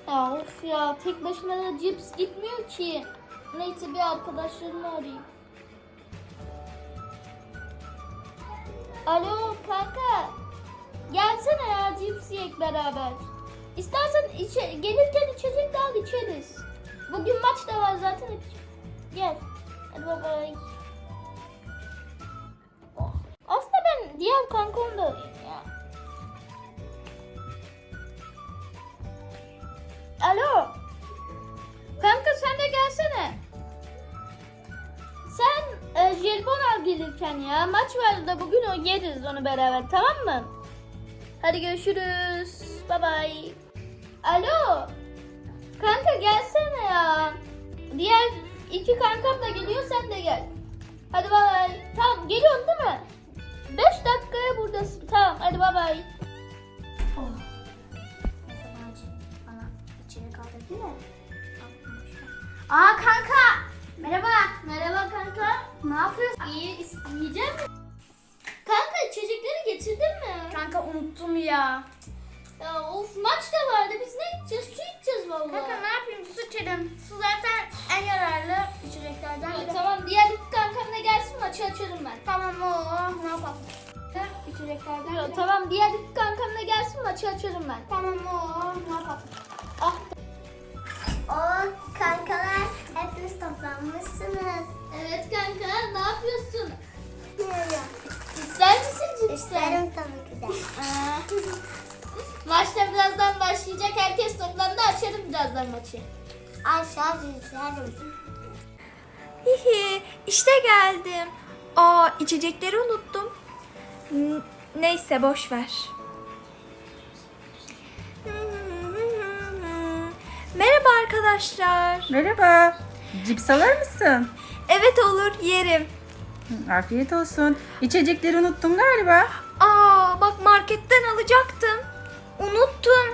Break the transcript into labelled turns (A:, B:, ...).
A: Ya of ya, tek başına da cips gitmiyor ki. Neyse bir arkadaşlarımı arayayım. Alo kanka. Gelsene ya, cips yiyek beraber. İstersen gelirken içecek de al, içeriz. Bugün maç da var zaten. Gel. Hadi bye bye. Oh. Aslında ben diğer kankamı da arayayım ya. Alo. Kanka sen de gelsene. Sen jelibon al gelirken ya. Maç var da bugün o yeriz onu beraber, tamam mı? Hadi görüşürüz. Bye bye. Alo. Kanka gelsene ya. Diğer iki kankam da geliyor, sen de gel. Hadi bye bye. Tamam geliyorsun değil mi? 5 dakikaya buradasın. Tamam hadi bye bye.
B: Aa kanka. Merhaba.
A: Merhaba kanka.
B: Ne yapıyorsun?
A: İyi, yiyecek misin? Kanka içecekleri getirdin mi?
B: Kanka unuttum ya.
A: Ya of, maç da vardı, biz ne içeceğiz? Su içeceğiz vallahi.
B: Kanka ne yapayım? Su içelim. Su zaten en yararlı içeceklerden
A: Ya,
B: biri.
A: tamam, diğer iki kankam da gelsin, maçı açarım ben.
B: Tamam o. Ne yapalım? İçeceklerden
A: Ya,
B: biri.
A: tamam, diğer iki kankam da gelsin, maçı açarım ben.
B: Tamam o. Ne yapalım?
A: Ah.
C: O kankalar hepiniz toplanmışsınız.
A: Evet kanka, ne yapıyorsun?
C: Biliyorum.
A: İster misin cipsi?
C: İsterim tabii ki de.
A: Maçta birazdan başlayacak, herkes toplandı, açarım birazdan maçı.
C: Aşağı isterim.
D: Hihi, işte geldim. Aa, içecekleri unuttum. Neyse boş ver. Merhaba arkadaşlar.
E: Merhaba. Cips alır mısın?
D: Evet olur, yerim.
E: Afiyet olsun. İçecekleri unuttum galiba.
D: Aa, bak marketten alacaktım. Unuttum.